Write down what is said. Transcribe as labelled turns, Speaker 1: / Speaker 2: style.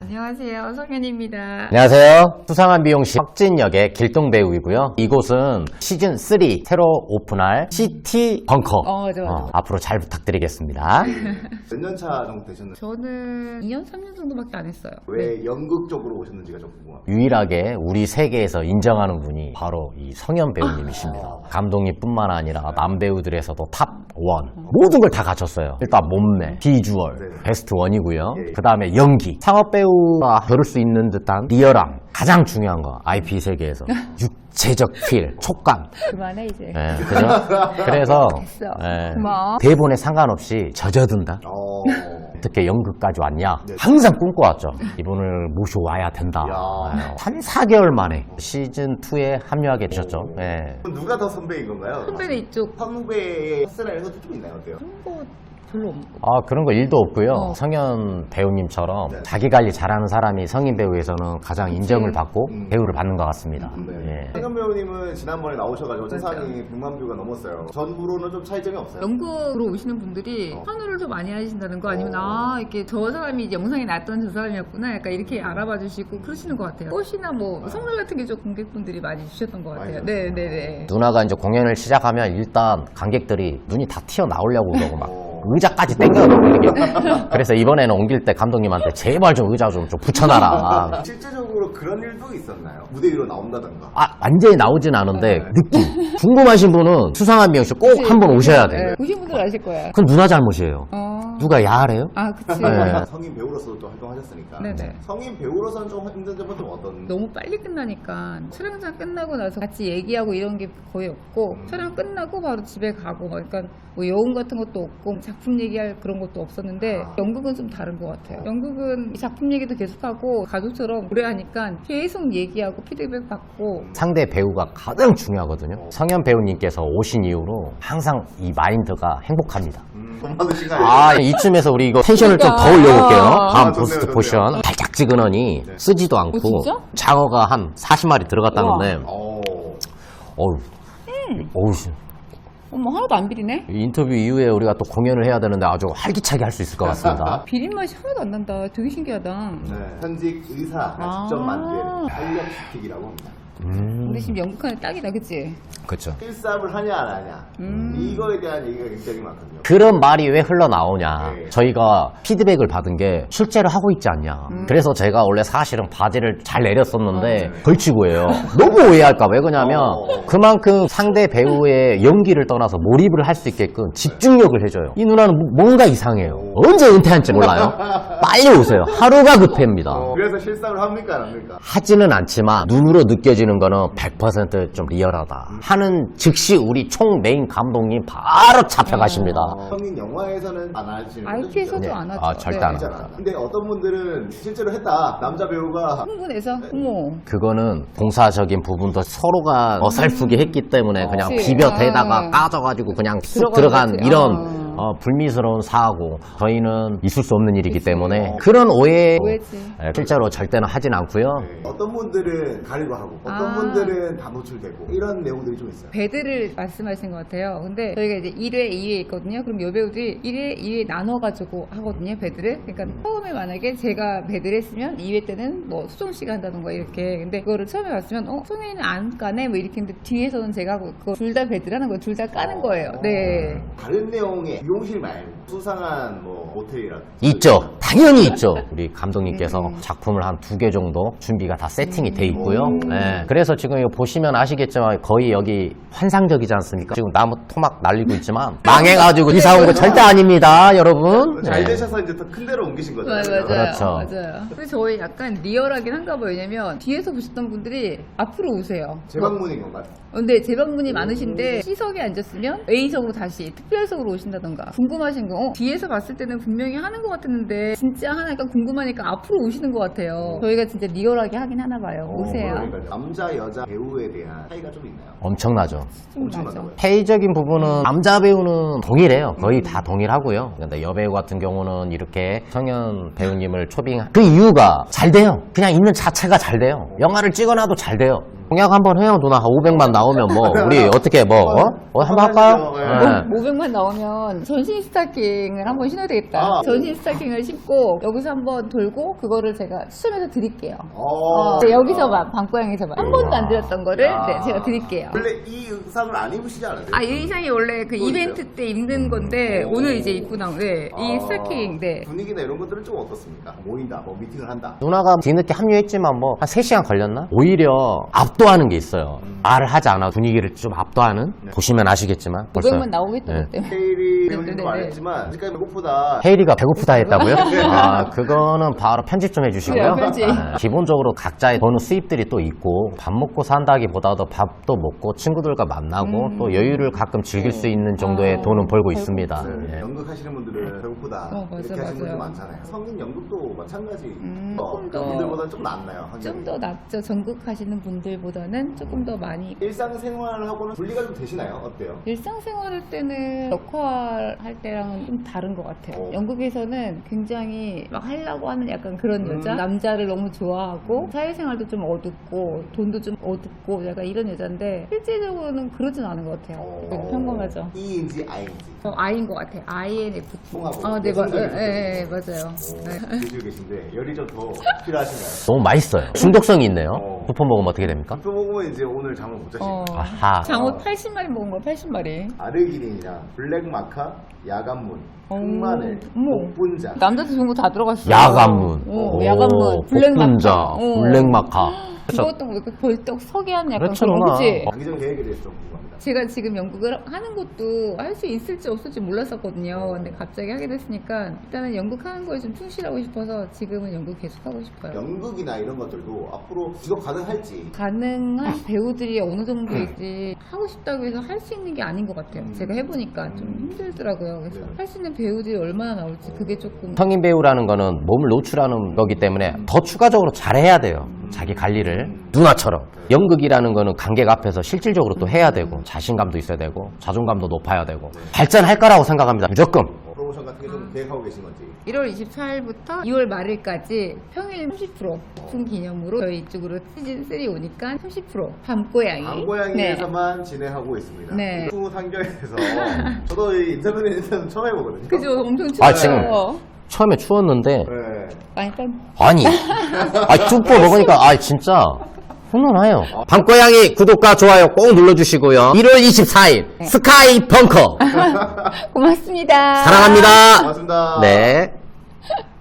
Speaker 1: 안녕하세요. 성현입니다.
Speaker 2: 안녕하세요. 수상한 미용실 혁진 역의 길동 배우이고요. 이곳은 시즌 3 새로 오픈할 시티 벙커.
Speaker 1: 맞아.
Speaker 2: 앞으로 잘 부탁드리겠습니다.
Speaker 3: 몇 년 차 정도 되셨나요?
Speaker 1: 저는 2년, 3년 정도밖에 안 했어요.
Speaker 3: 왜 연극 쪽으로 오셨는지가 좀 궁금합니다.
Speaker 2: 유일하게 우리 세계에서 인정하는 분이 바로 이 성현 배우님이십니다. 감독님뿐만 아니라 남배우들에서도 탑 1. 모든 걸 다 갖췄어요. 일단 몸매, 비주얼,
Speaker 3: 네.
Speaker 2: 베스트 1이고요.
Speaker 3: 예.
Speaker 2: 그 다음에 연기. 상업 배우가 겨룰 수 있는 듯한 리얼함. 가장 중요한 거, IP 세계에서. 육체적 필, 촉감.
Speaker 1: 그만해 이제.
Speaker 2: 예, 그죠? 그래서
Speaker 1: 됐어.
Speaker 2: 예,
Speaker 1: 고마워.
Speaker 2: 대본에 상관없이 젖어든다. 어떻게 연극까지 왔냐?
Speaker 3: 네.
Speaker 2: 항상 꿈꿔왔죠. 이분을 모셔와야 된다.
Speaker 3: 야.
Speaker 2: 3, 4개월 만에 시즌2에 합류하게 되셨죠. 예.
Speaker 3: 그럼 누가 더 선배인 건가요?
Speaker 1: 선배는 이쪽
Speaker 3: 선배의 헛스라는 것도 좀 있나요? 어때요?
Speaker 1: 그런 거 별로 없고.
Speaker 2: 그런 거 일도 없고요.
Speaker 1: 어.
Speaker 2: 성현 배우님처럼
Speaker 3: 네.
Speaker 2: 자기 관리 잘하는 사람이 성인 배우에서는 가장 인정을 받고 배우를 받는 것 같습니다.
Speaker 3: 네.
Speaker 2: 예.
Speaker 3: 성현 배우님은 지난번에 나오셔가지고
Speaker 1: 맞아요.
Speaker 3: 세상이 100만 뷰가 넘었어요. 전부로는 좀 차이점이 없어요?
Speaker 1: 연극으로 오시는 분들이 선호를 좀 많이 하신다는 거 아니면 이렇게 저 사람이 이제 영상에 나왔던 저 사람이었구나 약간 이렇게 알아봐 주시고 그러시는 것 같아요. 꽃이나 뭐 선물 같은 게 좀 관객분들이 많이 주셨던 것 같아요.
Speaker 3: 많이
Speaker 1: 네네네.
Speaker 2: 누나가 이제 공연을 시작하면 일단 관객들이 눈이 다 튀어나오려고 그러고 막 의자까지 땡겨놓고 이렇게. 그래서 이번에는 옮길 때 감독님한테 제발 좀 의자 좀 붙여놔라.
Speaker 3: 실제적으로 그런 일도 있었나요? 무대 위로 나온다던가?
Speaker 2: 완전히 나오진 않은데 느낌. 궁금하신 분은 수상한 미용실 꼭 한번 오셔야 돼요.
Speaker 1: 보신 분들 아실 거야.
Speaker 2: 그건 누나 잘못이에요. 누가 야하래요?
Speaker 1: 그치.
Speaker 2: 네.
Speaker 3: 성인 배우로서도 또 활동하셨으니까
Speaker 1: 네네.
Speaker 3: 성인 배우로서는 좀 힘든 점은 좀 어떤?
Speaker 1: 너무 빨리 끝나니까 촬영장 끝나고 나서 같이 얘기하고 이런 게 거의 없고 촬영 끝나고 바로 집에 가고 막 그러니까 뭐 여운 같은 것도 없고 작품 얘기할 그런 것도 없었는데 연극은 좀 다른 것 같아요. 연극은 작품 얘기도 계속하고 가족처럼 오래 하니까 계속 얘기하고 피드백 받고
Speaker 2: 상대 배우가 가장 중요하거든요. 성현 배우님께서 오신 이후로 항상 이 마인드가 행복합니다.
Speaker 3: 돈 받으신가요?
Speaker 2: 이쯤에서 우리 이거 텐션을 좀 더 올려볼게요. 다음
Speaker 3: 좋네요,
Speaker 2: 보스트
Speaker 3: 좋네요.
Speaker 2: 포션. 달짝지근하니 쓰지도 않고
Speaker 1: 진짜?
Speaker 2: 장어가 한 40마리 들어갔다는데 어우,
Speaker 1: 어머 하나도 안 비리네?
Speaker 2: 인터뷰 이후에 우리가 또 공연을 해야 되는데 아주 활기차게 할 수 있을 것 같습니다.
Speaker 1: 비린 맛이 하나도 안 난다. 되게 신기하다.
Speaker 3: 네. 현직 의사가 직접 만든 활력시키기라고 합니다.
Speaker 1: 근데 지금 연극하는 딱이다, 그치?
Speaker 2: 그렇죠.
Speaker 3: 필삽을 하냐 안 하냐 이거에 대한 얘기가 굉장히 많거든요.
Speaker 2: 그런 말이 왜 흘러나오냐.
Speaker 3: 네.
Speaker 2: 저희가 피드백을 받은 게 실제로 하고 있지 않냐. 그래서 제가 원래 사실은 바지를 잘 내렸었는데 걸치고 해요. 너무 오해할까 봐. 왜 그러냐면 그만큼 상대 배우의 연기를 떠나서 몰입을 할 수 있게끔 집중력을 해줘요. 이 누나는 뭔가 이상해요. 언제 은퇴할지 몰라요. 빨리 오세요. 하루가 급합니다.
Speaker 3: 그래서 실삽을 합니까 안 합니까?
Speaker 2: 하지는 않지만 눈으로 느껴지는 거는 100% 좀 리얼하다. 하는 즉시 우리 총 메인 감독님 바로 잡혀가십니다.
Speaker 3: 성인 영화에서는 안 하시는 거죠?
Speaker 1: IP에서도
Speaker 3: 진짜?
Speaker 1: 안 하죠.
Speaker 2: 절대 안
Speaker 1: 네.
Speaker 2: 합니다.
Speaker 3: 근데 어떤 분들은 실제로 했다. 남자 배우가
Speaker 1: 흥분해서? 어머.
Speaker 2: 그거는 공사적인 부분도 서로가 어설프게 했기 때문에 그냥
Speaker 1: 그치.
Speaker 2: 비벼대다가 까져가지고 그냥 쑥 들어간
Speaker 1: 거지.
Speaker 2: 이런 불미스러운 사고. 저희는 있을 수 없는 일이기 때문에 그런 오해지. 실제로 절대는 하진 않고요.
Speaker 3: 어떤 분들은 가리고 하고 어떤 분들은 다 노출되고 이런 내용들이 좀 있어요.
Speaker 1: 배드를 말씀하신 것 같아요. 근데 저희가 이제 1회, 2회 있거든요. 그럼 여배우들이 1회, 2회 나눠가지고 하거든요. 배드를. 그러니까 처음에 만약에 제가 배드를 했으면 2회 때는 뭐 수정 씨가 한다던가 이렇게. 근데 그거를 처음에 봤으면 수정이는 안 까네? 뭐 이렇게 했는데 뒤에서는 제가 하고 그거 둘 다 배드를 하는 거예요. 둘 다 까는 거예요. 네.
Speaker 3: 다른 내용의 미용실 말고 수상한 뭐 모텔이라든지
Speaker 2: 있죠. 당연히 있죠. 우리 감독님께서 작품을 한 2개 정도 준비가 다 세팅이 돼 있고요. 네. 그래서 지금 이거 보시면 아시겠지만 거의 여기 환상적이지 않습니까? 지금 나무 토막 날리고 있지만 망해가지고 이사 온 거 절대 아닙니다, 여러분.
Speaker 3: 잘
Speaker 2: 네.
Speaker 3: 되셔서 이제 더 큰 데로 옮기신 거잖아요.
Speaker 1: 맞아요.
Speaker 2: 그렇죠.
Speaker 1: 맞아요. 근데 저희 약간 리얼하긴 한가 봐요. 왜냐면 뒤에서 보셨던 분들이 앞으로 오세요.
Speaker 3: 재방문인 건가요?
Speaker 1: 근데 재방문이 많으신데 C석에 앉았으면 A석으로 다시 특별석으로 오신다던가 궁금하신 거 뒤에서 봤을 때는 분명히 하는 것 같았는데 진짜 하나가 궁금하니까 앞으로 오시는 것 같아요. 저희가 진짜 리얼하게 하긴 하나 봐요. 오세요.
Speaker 3: 그러니까 남자 여자 배우에 대한 차이가 좀 있나요?
Speaker 2: 엄청나죠.
Speaker 1: 좀
Speaker 3: 엄청나죠.
Speaker 1: 맞아.
Speaker 2: 페이적인 부분은 남자 배우는 동일해요. 거의 다 동일하고요. 근데 여배우 같은 경우는 이렇게 성현 배우님을 초빙 그 이유가 잘 돼요. 그냥 있는 자체가 잘 돼요. 영화를 찍어놔도 잘 돼요. 공약 한번 해요, 누나. 500만 나오면 뭐, 우리 어떻게 한번 할까요?
Speaker 3: 네.
Speaker 1: 500만 나오면 전신 스타킹을 한번 신어야 되겠다.
Speaker 3: 아,
Speaker 1: 전신 스타킹을 신고 여기서 한번 돌고 그거를 제가 추첨해서 드릴게요.
Speaker 3: 어.
Speaker 1: 네, 여기서만 방고양에서만 한 번도 안 드렸던 거를
Speaker 3: 야.
Speaker 1: 네, 제가 드릴게요.
Speaker 3: 원래 이 의상을 안 입으시지 않으세요?
Speaker 1: 아, 이 의상이 원래 그
Speaker 3: 그거
Speaker 1: 이벤트 때 입는 건데 오늘 이제 입고 나온 네, 이
Speaker 3: 아,
Speaker 1: 스타킹 네.
Speaker 3: 분위기나 이런 것들은 좀 어떻습니까? 모인다, 뭐 미팅을 한다.
Speaker 2: 누나가 뒤늦게 합류했지만 뭐, 한 3시간 걸렸나? 오히려 압도하는 게 있어요. 말을 하지 않아 분위기를 좀 압도하는? 보시면 아시겠지만. 벌써.
Speaker 1: 500만 나오겠다
Speaker 2: 네.
Speaker 1: 때문에.
Speaker 3: 헤일이
Speaker 1: 네,
Speaker 3: 배우님도
Speaker 1: 네,
Speaker 3: 말했지만 아직까지 배고프다.
Speaker 2: 헤이리가 배고프다 했다고요? 아, 그거는 바로 편집 좀 해주시고요.
Speaker 1: 그래요, 편집.
Speaker 2: 기본적으로 각자의 버는 수입들이 또 있고, 밥 먹고 산다기보다도 밥도 먹고, 친구들과 만나고, 또 여유를 가끔 즐길 수 있는 정도의
Speaker 1: 아,
Speaker 2: 돈은 벌고
Speaker 1: 벌고
Speaker 2: 있습니다.
Speaker 3: 네,
Speaker 2: 예.
Speaker 3: 연극 하시는 분들은 배고프다
Speaker 1: 맞아요,
Speaker 3: 이렇게 하시는 분들
Speaker 1: 맞아요.
Speaker 3: 많잖아요. 성인 연극도 마찬가지.
Speaker 1: 조금 더-
Speaker 3: 분들보다는 좀 낫나요?
Speaker 1: 좀 더 낫죠. 전국 하시는 분들보다는 조금 더 많이.
Speaker 3: 일상생활하고는 분리가 좀 되시나요? 어때요?
Speaker 1: 일상생활 할 때는 역할 할 때랑은 좀 다른 것 같아요.
Speaker 3: 어.
Speaker 1: 연극에서는 굉장히 막 하려고 하는 약간 그런 여자? 남자를 너무 좋아하고 사회생활도 좀 어둡고 돈도 좀 어둡고 약간 이런 여잔데 실제적으로는 그러진 않은 것 같아요. 평범하죠.
Speaker 3: E인지 I인지.
Speaker 1: I인 것 같아요. INFP.
Speaker 3: 통하고
Speaker 1: 아, 네,
Speaker 3: 여성적인
Speaker 1: 맞아요. 네.
Speaker 3: 드시고 계신데 열이 좀 더 필요하신가요?
Speaker 2: 너무 맛있어요. 중독성이 있네요.
Speaker 3: 어.
Speaker 2: 쿠폰 먹으면 어떻게 됩니까?
Speaker 3: 또 먹으면 이제 오늘 잠을 못 자시고
Speaker 1: 어,
Speaker 2: 아하.
Speaker 1: 장어 80마리 먹은 거야, 80마리.
Speaker 3: 아르기닌이랑 블랙마카, 야간문, 흑마늘,
Speaker 1: 어머.
Speaker 3: 복분자.
Speaker 1: 남자도 좋은 거 다 들어갔어.
Speaker 2: 야간문.
Speaker 1: 오, 야간문.
Speaker 2: 복분자.
Speaker 1: 어.
Speaker 2: 블랙마카.
Speaker 1: 그것도 이렇게 벌떡 서게 하는 약간
Speaker 2: 그렇죠,
Speaker 1: 그런
Speaker 2: 누나.
Speaker 1: 그치?
Speaker 3: 장기적 계획에 대해서 좀 궁금합니다.
Speaker 1: 제가 지금 연극을 하는 것도 할 수 있을지 없을지 몰랐었거든요. 근데 갑자기 하게 됐으니까 일단은 연극하는 거에 좀 충실하고 싶어서 지금은 연극 계속 하고 싶어요.
Speaker 3: 연극이나 이런 것들도 앞으로 지속 가능할지.
Speaker 1: 가능한 배우들이 어느 정도일지 하고 싶다고 해서 할 수 있는 게 아닌 것 같아요. 제가 해보니까 좀 힘들더라고요. 그래서 할 수 있는 배우들이 얼마나 나올지 그게 조금
Speaker 2: 성인 배우라는 거는 몸을 노출하는 거기 때문에 더 추가적으로 잘해야 돼요. 자기 관리를. 누나처럼. 연극이라는 거는 관객 앞에서 실질적으로 또 해야 되고, 자신감도 있어야 되고, 자존감도 높아야 되고, 발전할 거라고 생각합니다. 무조건.
Speaker 3: 프로모션 같은 게 좀 계획하고 계신 건지.
Speaker 1: 1월 24일부터 2월 말일까지 평일 30% 오픈 기념으로 저희 이쪽으로 시즌 3 오니까 30% 밤고양이.
Speaker 3: 광고양이에서만 진행하고 있습니다.
Speaker 1: 네.
Speaker 3: 수 상경에서 저도 이 인터뷰는 처음 해보거든요.
Speaker 1: 그죠? 엄청 추워요.
Speaker 2: 아, 지금 처음에 추웠는데,
Speaker 3: 네.
Speaker 1: 많이 땀.
Speaker 2: 아니, 쭈뽀 먹으니까, 진짜, 훈훈해요. 밤고양이 구독과 좋아요 꼭 눌러주시고요. 1월 24일, 스카이 벙커.
Speaker 1: 고맙습니다.
Speaker 2: 사랑합니다.
Speaker 3: 고맙습니다.
Speaker 2: 네.